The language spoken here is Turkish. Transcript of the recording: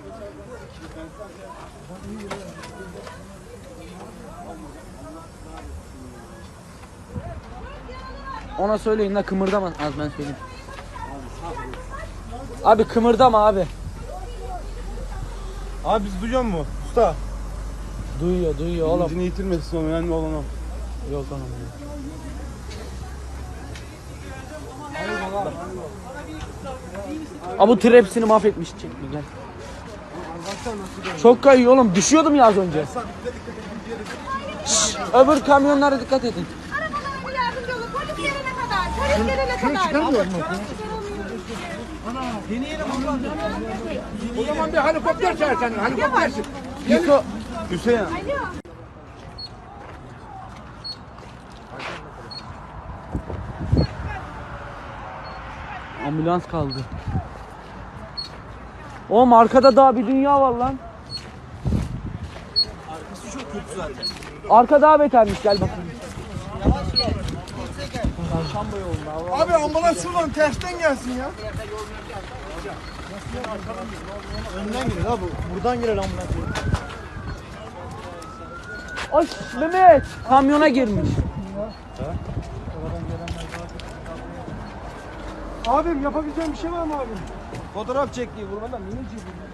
Ona söyleyin la kımırdama. Az ben söyleyeyim. Abi kımırdama abi. Abi biz duyuyor mu usta? Duyuyor oğlum. İncini yitirmesin o önemli olan o. Yok oğlum. Abi bu tır hepsini mahvetmiş. Çek bir gel. Çok kayıyor oğlum. Düşüyordum ya az önce. Şşş, öbür kamyonlara dikkat edin. Arabalara yardımcı olun. Polis gelene kadar. Polis gelene kadar. Çıkarmıyor mu? O zaman bir helikopter çağırsan, helikoptersin. Yıko. Hüseyin. Ambulans kaldı. Oğlum arkada daha bir dünya var lan. Arkası çok kötü zaten. Arka daha betermiş, gel bakalım. Abi ambulans şuradan tersten gelsin ya. Önden girer abi. Buradan girer ambulans. Ay Mehmet, kamyona girmiş. Abim yapabileceğim bir şey var mı abi? Fotoğraf çektiği vurmadan mineciği vurmadan.